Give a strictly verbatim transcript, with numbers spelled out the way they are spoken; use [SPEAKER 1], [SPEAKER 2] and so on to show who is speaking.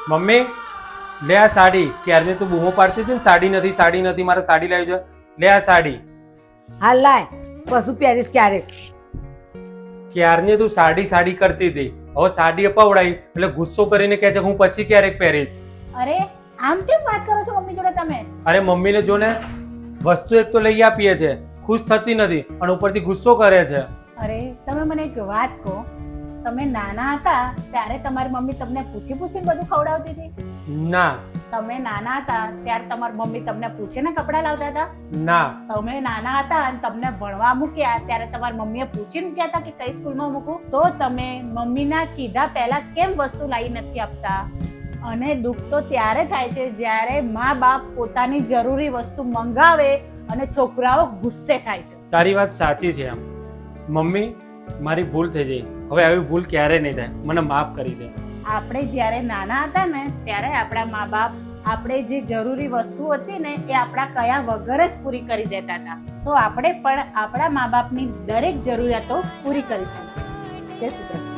[SPEAKER 1] Mummy લે આ સાડી. ક્યારની તું બૂમો પાડતી હતી ને સાડી નથી સાડી નથી, મારે સાડી લાવી છે. લે આ સાડી.
[SPEAKER 2] હાલ લાય, પશુ પહેરીશ ક્યારેક.
[SPEAKER 1] ક્યારની તું સાડી સાડી કરતી હતી, હવે સાડી અપાવડાવી એટલે ગુસ્સો કરીને કહે છે હું પછી ક્યારેક પહેરીશ.
[SPEAKER 3] અરે આમ કેમ વાત કરો છો મમ્મી જોડે તમે?
[SPEAKER 1] અરે મમ્મીને જો ને, વસ્તુ એક તો લઈ આપીએ છે, ખુશ થતી નથી અને ઉપરથી ગુસ્સો કરે છે.
[SPEAKER 3] અરે તમે મને એક વાત કહો, તમે નાના હતા ત્યારે તમારી મમ્મી તમને પૂછી પૂછીને બધું ખવડાવતી હતી?
[SPEAKER 1] ના
[SPEAKER 3] તમે નાના હતા ત્યારે તમારી મમ્મી તમને પૂછીને કપડાં લાવતા હતા?
[SPEAKER 1] ના
[SPEAKER 3] તમે નાના હતા અને તમને ભણવા મૂક્યા ત્યારે તમારી મમ્મીએ પૂછીને મૂક્યા હતા કે કઈ સ્કૂલમાં મૂકું? તો તમે મમ્મીના કીધા પહેલા કેમ વસ્તુ લાવી નથી આપતા? અને દુઃખ તો ત્યારે થાય છે જ્યારે મા બાપ પોતાની જરૂરી વસ્તુ મંગાવે અને છોકરાઓ ગુસ્સે થાય છે.
[SPEAKER 1] તારી વાત સાચી છે. એમ મમ્મી મારી ભૂલ થઈ ગઈ, હવે આવી ભૂલ ક્યારે નહીં થાય, મને માફ કરી દે.
[SPEAKER 3] આપણે જ્યારે નાના હતા ને ત્યારે આપણા મા બાપ આપણે જે જરૂરી વસ્તુ હતી ને એ આપણા કયા વગર જ પૂરી કરી દેતા હતા. તો આપણે પણ આપણા મા બાપની દરેક જરૂરિયાતો પૂરી કરીશું. જય શ્રી કૃષ્ણ.